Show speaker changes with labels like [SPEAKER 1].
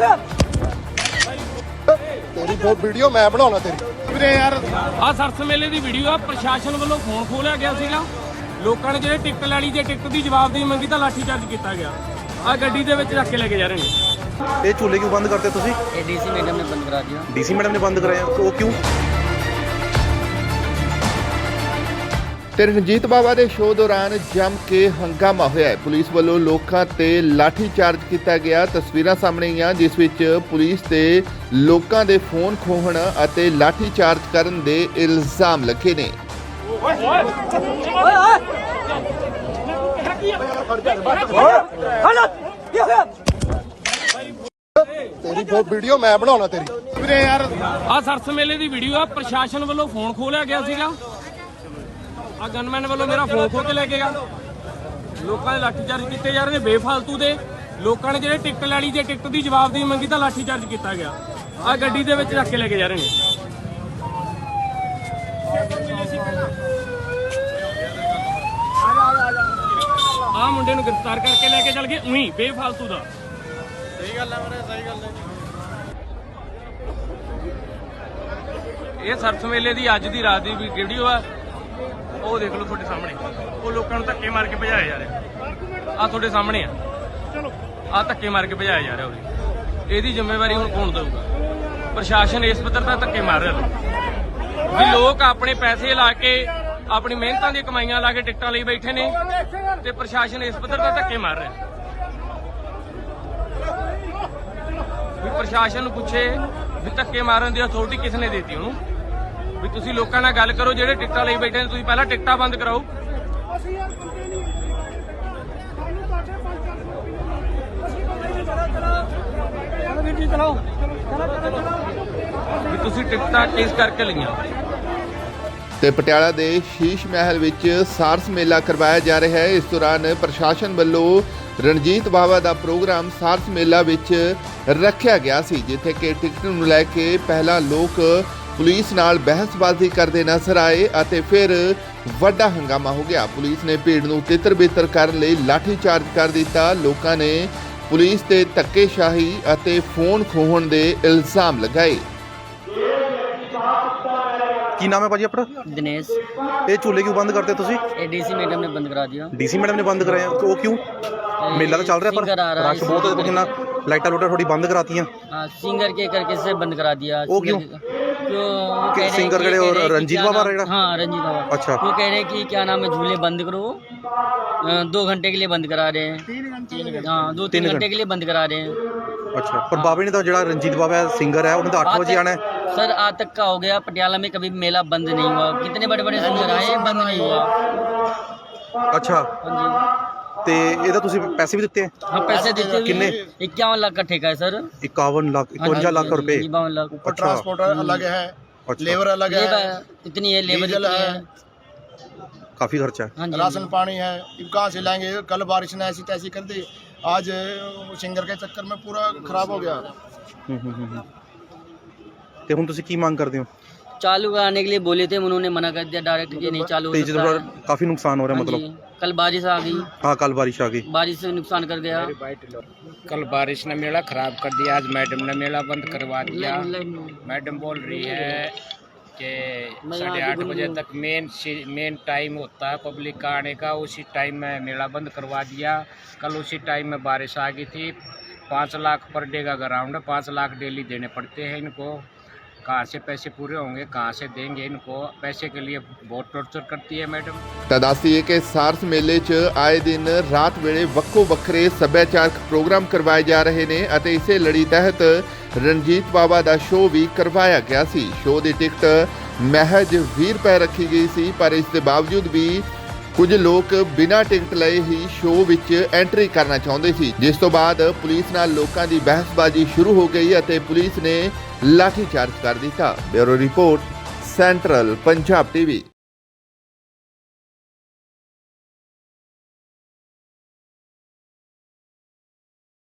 [SPEAKER 1] तेरी बहुत वीडियो मैं बनाना तेरी
[SPEAKER 2] ਵੀਰੇ ਯਾਰ ਆ ਸਰਸ ਮੇਲੇ ਦੀ ਵੀਡੀਓ ਆ। ਪ੍ਰਸ਼ਾਸਨ ਵੱਲੋਂ ਫੋਨ ਖੋਲਿਆ ਗਿਆ ਸੀਗਾ। ਲੋਕਾਂ ਨੇ ਜਿਹੜੇ ਟਿਕਟ ਲੈਣੀ ਜੇ ਟਿਕਟ ਦੀ ਜਵਾਬਦੇਹੀ ਮੰਗੀ ਤਾਂ ਲਾਠੀ ਚਾਰਜ ਕੀਤਾ ਗਿਆ। ਆ ਗੱਡੀ ਦੇ ਵਿੱਚ ਰੱਖ ਕੇ ਲੈ ਕੇ ਜਾ ਰਹੇ ਨੇ।
[SPEAKER 3] ये चूल्हे क्यों बंद करते तुसी?
[SPEAKER 4] ये डीसी मैडम ने बंद करा दिया।
[SPEAKER 3] डीसी मैडम ने बंद कराया तो वो क्यों?
[SPEAKER 5] ਤੇ ਰਣਜੀਤ ਬਾਵਾ ਦੇ ਸ਼ੋਅ ਦੌਰਾਨ ਜੰਮ ਕੇ ਹੰਗਾਮਾ ਹੋਇਆ ਹੈ। ਪੁਲਿਸ ਵੱਲੋਂ ਲੋਕਾਂ ਤੇ ਲਾਠੀ ਚਾਰਜ ਕੀਤਾ ਗਿਆ। ਤਸਵੀਰਾਂ ਸਾਹਮਣੇ ਆਈਆਂ ਜਿਸ ਵਿੱਚ ਪੁਲਿਸ ਤੇ ਲੋਕਾਂ ਦੇ ਫੋਨ ਖੋਹਣ ਅਤੇ ਲਾਠੀ ਚਾਰਜ ਕਰਨ ਦੇ ਇਲਜ਼ਾਮ ਲੱਗੇ ਨੇ।
[SPEAKER 1] तेरी बहुत वीडियो मैं बनाना तेरी
[SPEAKER 2] ਵੀਰੇ ਯਾਰ ਆ ਸਰਸ ਮੇਲੇ ਦੀ ਵੀਡੀਓ ਆ। ਪ੍ਰਸ਼ਾਸਨ ਵੱਲੋਂ ਫੋਨ ਖੋਲਿਆ ਗਿਆ ਸੀਗਾ। ਆ ਗਨਮੈਨ ਵੱਲੋਂ ਮੇਰਾ ਫੋਨ ਖੋਹ ਕੇ ਲੈ ਕੇ ਗਿਆ। ਲੋਕਾਂ ਦੇ ਲਾਠੀ ਚਾਰਜ ਕੀਤੇ ਜਾ ਰਹੇ ਨੇ ਬੇਫਾਲਤੂ ਦੇ। ਲੋਕਾਂ ਨੇ ਜਿਹੜੇ ਟਿਕਟ ਲੈਣੀ ਜੇ ਟਿਕਟ ਦੀ ਜਵਾਬਦੇਹੀ ਮੰਗੀ ਤਾਂ ਲਾਠੀ ਚਾਰਜ ਕੀਤਾ ਗਿਆ। ਆ ਗੱਡੀ ਦੇ ਵਿੱਚ ਰੱਖ ਕੇ ਲੈ ਕੇ ਜਾ ਰਹੇ ਨੇ। ਆ ਮੁੰਡੇ ਨੂੰ ਗ੍ਰਿਫਤਾਰ ਕਰਕੇ ਲੈ ਕੇ ਚੱਲ ਗਏ ਉਹੀ ਬੇਫਾਲਤੂ ਦਾ। ਸਹੀ ਗੱਲ ਹੈ ਵੀਰੇ, ਸਹੀ ਗੱਲ ਹੈ। ਇਹ ਸਰਸ ਮੇਲੇ ਦੀ ਅੱਜ ਦੀ ਰਾਤ ਦੀ ਵੀਡੀਓ ਆ। ਉਹ ਦੇਖ ਲਓ ਤੁਹਾਡੇ ਸਾਹਮਣੇ। ਉਹ ਲੋਕਾਂ ਨੂੰ ਧੱਕੇ ਮਾਰ ਕੇ ਭਜਾਏ ਜਾ ਰਹੇ ਆ। ਤੁਹਾਡੇ ਸਾਹਮਣੇ ਆ। ਆ ਧੱਕੇ ਮਾਰ ਕੇ ਭਜਾਏ ਜਾ ਰਹੇ ਉਹਦੀ। ਇਹਦੀ ਜ਼ਿੰਮੇਵਾਰੀ ਹੁਣ ਕੌਣ ਦਊਗਾ? ਪ੍ਰਸ਼ਾਸਨ ਇਸ ਪੱਧਰ ਦਾ ਧੱਕੇ ਮਾਰ ਰਿਹਾ ਵੀ ਲੋਕ ਆਪਣੇ ਪੈਸੇ ਲਾ ਕੇ ਆਪਣੀ ਮਿਹਨਤਾਂ ਦੀਆਂ ਕਮਾਈਆਂ ਲਾ ਕੇ ਟਿਕਟਾਂ ਲਈ ਬੈਠੇ ਨੇ ਤੇ ਪ੍ਰਸ਼ਾਸਨ ਇਸ ਪੱਧਰ ਦਾ ਧੱਕੇ ਮਾਰ ਰਿਹਾ ਵੀ ਪ੍ਰਸ਼ਾਸਨ ਨੂੰ ਪੁੱਛੇ ਵੀ ਧੱਕੇ ਮਾਰਨ ਦੀ ਅਥਾਰਟੀ ਕਿਸ ਨੇ ਦਿੱਤੀ ਉਹਨੂੰ? ਵੀ ਤੁਸੀਂ ਲੋਕਾਂ ਨਾਲ ਗੱਲ ਕਰੋ ਜਿਹੜੇ ਟਿਕਟਾਂ ਲਈ ਬੈਠੇ ਨੇ। ਤੁਸੀਂ ਪਹਿਲਾਂ ਟਿਕਟਾਂ ਬੰਦ ਕਰਾਓ। ਵੀ ਤੁਸੀਂ ਟਿਕਟਾਂ ਕਿਸ ਕਰਕੇ ਲਈਆਂ?
[SPEAKER 5] ਤੇ ਪਟਿਆਲਾ ਦੇ ਸ਼ੀਸ਼ ਮਹਿਲ ਵਿੱਚ ਸਾਰਸ ਮੇਲਾ ਕਰਵਾਇਆ ਜਾ ਰਿਹਾ ਹੈ। ਇਸ ਦੌਰਾਨ ਪ੍ਰਸ਼ਾਸਨ ਵੱਲੋਂ ਰਣਜੀਤ ਬਾਵਾ ਦਾ ਪ੍ਰੋਗਰਾਮ ਸਾਰਸ ਮੇਲਾ ਵਿੱਚ ਰੱਖਿਆ ਗਿਆ ਸੀ, ਜਿੱਥੇ ਕਿ ਟਿਕਟ ਨੂੰ ਲੈ ਕੇ ਪਹਿਲਾਂ ਲੋਕ ਪੁਲਿਸ ਨਾਲ ਬਹਿਸਬਾਜ਼ੀ ਕਰਦੇ ਨਜ਼ਰ ਆਏ ਅਤੇ ਫਿਰ ਵੱਡਾ ਹੰਗਾਮਾ ਹੋ ਗਿਆ। ਪੁਲਿਸ ਨੇ ਭੀੜ ਨੂੰ ਤਿੱਤਰ-ਬਿੱਤਰ ਕਰਨ ਲਈ ਲਾਠੀ ਚਾਰਜ ਕਰ ਦਿੱਤਾ। ਲੋਕਾਂ ਨੇ ਪੁਲਿਸ ਤੇ ਧੱਕੇਸ਼ਾਹੀ ਅਤੇ ਫੋਨ ਖੋਹਣ ਦੇ ਇਲਜ਼ਾਮ ਲਗਾਏ।
[SPEAKER 3] की नाम है भाजी अपना?
[SPEAKER 4] दिनेश।
[SPEAKER 3] ये चूल्हे क्यों बंद करते तुसी?
[SPEAKER 4] ये डीसी मैडम ने बंद करा दिया।
[SPEAKER 3] डीसी मैडम ने बंद कराया तो वो क्यों? मेला तो चल रहा है
[SPEAKER 4] सिंगर आ
[SPEAKER 3] पर
[SPEAKER 4] रहा है
[SPEAKER 3] रश बहुत है। कितना लाइटा लूटा थोड़ी बंद कराती हैं।
[SPEAKER 4] हाँ, सिंगर के करके से बंद करा दिया।
[SPEAKER 3] वो क्यों? सिंगर
[SPEAKER 4] कह
[SPEAKER 3] और
[SPEAKER 4] रहे
[SPEAKER 3] रंजीत बाबा रहेगा?
[SPEAKER 4] हाँ, रंजीत बाबा।
[SPEAKER 3] अच्छा।
[SPEAKER 4] वो कह रहे कि क्या नाम है झूले बंद करो। 2 घंटे के लिए बंद करा रहे हैं। हाँ, 2-3 घंटे के लिए बंद करा रहे हैं।
[SPEAKER 3] अच्छा, पर बाबे ने तो जो रंजीत बाबा सिंगर है उन्हें तो 8 बजे आना है।
[SPEAKER 4] सर आज तक का हो गया। पटियाला में कभी मेला बंद नहीं हुआ। कितने बड़े बड़े सिंगर आए, बंद नहीं हुआ।
[SPEAKER 3] अच्छा,
[SPEAKER 4] हाँ जी।
[SPEAKER 3] ते ਇਹਦਾ ਤੁਸੀਂ ਪੈਸੇ ਵੀ ਦਿੱਤੇ ਹੈ?
[SPEAKER 4] हाँ, पैसे देते हुए
[SPEAKER 3] कितने?
[SPEAKER 4] 51 लाख का ठेका है सर।
[SPEAKER 3] 51 लाख 51 लाख रुपए।
[SPEAKER 4] 52 लाख।
[SPEAKER 3] अच्छा।
[SPEAKER 1] ट्रांसपोर्ट अलग है,
[SPEAKER 3] अच्छा।
[SPEAKER 1] लेबर अलग है,
[SPEAKER 4] इतनी है लेबर
[SPEAKER 1] डीजल
[SPEAKER 4] इतनी
[SPEAKER 1] है,
[SPEAKER 3] काफी खर्चा है।
[SPEAKER 4] हाँ जी।
[SPEAKER 1] राशन पानी है। अब कहाँ से लाएंगे? कल बारिश ने ऐसी तैसी कर दी। आज सिंगर के चक्कर में पूरा खराब हो गया।
[SPEAKER 3] ਤੇ ਹੁਣ ਤੁਸੀਂ ਕੀ ਮੰਗ ਕਰਦੇ ਹੋ?
[SPEAKER 4] चालू कराने के लिए बोले थे, उन्होंने मना कर दिया डायरेक्ट कि नहीं चालू हो
[SPEAKER 3] तेज
[SPEAKER 4] सकता है।
[SPEAKER 3] काफी नुकसान हो रहा है
[SPEAKER 4] हाँ
[SPEAKER 3] मतलब।
[SPEAKER 4] जी। कल बारिश आ गई।
[SPEAKER 3] हाँ, कल बारिश आ गई।
[SPEAKER 4] बारिश से नुकसान कर गया।
[SPEAKER 6] कल बारिश ने मेला खराब कर दिया। आज मैडम ने मेला बंद करवा दिया। मैडम बोल रही है कि 8:30 बजे तक मेन टाइम होता है पब्लिक का आने का। उसी टाइम में मेला बंद करवा दिया। कल उसी टाइम में बारिश आ गई थी। 5 लाख पर डे का ग्राउंड है। 5 लाख डेली देने पड़ते हैं इनको। कहाँ से पैसे पूरे होंगे, कहाँ से देंगे इनको? पैसे के लिए बहुत टॉर्चर करती है मैडम।
[SPEAKER 5] ਤਾਂ ਦੱਸਦੀਏ ਕਿ ਸਾਰਸ ਮੇਲੇ 'ਚ ਆਏ ਦਿਨ ਰਾਤ ਵੇਲੇ ਵੱਖੋ ਵੱਖਰੇ ਸੱਭਿਆਚਾਰਕ ਪ੍ਰੋਗਰਾਮ ਕਰਵਾਏ ਜਾ ਰਹੇ ਨੇ ਅਤੇ ਇਸੇ ਲੜੀ ਤਹਿਤ ਰਣਜੀਤ ਬਾਵਾ ਦਾ ਸ਼ੋਅ ਵੀ ਕਰਵਾਇਆ ਗਿਆ ਸੀ। ਸ਼ੋਅ ਦੀ ਟਿਕਟ ਮਹਿਜ 20 ਰੁਪਏ ਰੱਖੀ ਗਈ ਸੀ, ਪਰ ਇਸ ਦੇ ਬਾਵਜੂਦ ਵੀ ਕੁਝ ਲੋਕ ਬਿਨਾਂ ਟਿਕਟ ਲਏ ਹੀ ਸ਼ੋਅ ਵਿੱਚ ਐਂਟਰੀ ਕਰਨਾ ਚਾਹੁੰਦੇ ਸੀ, ਜਿਸ ਤੋਂ ਬਾਅਦ ਪੁਲਿਸ ਨਾਲ ਲੋਕਾਂ ਦੀ ਬਹਿਸਬਾਜ਼ੀ ਸ਼ੁਰੂ ਹੋ ਗਈ ਅਤੇ ਪੁਲਿਸ ਨੇ ਲਾਠੀ ਚਾਰਜ ਕਰ ਦਿੱਤਾ। Bureau report, central Punjab TV.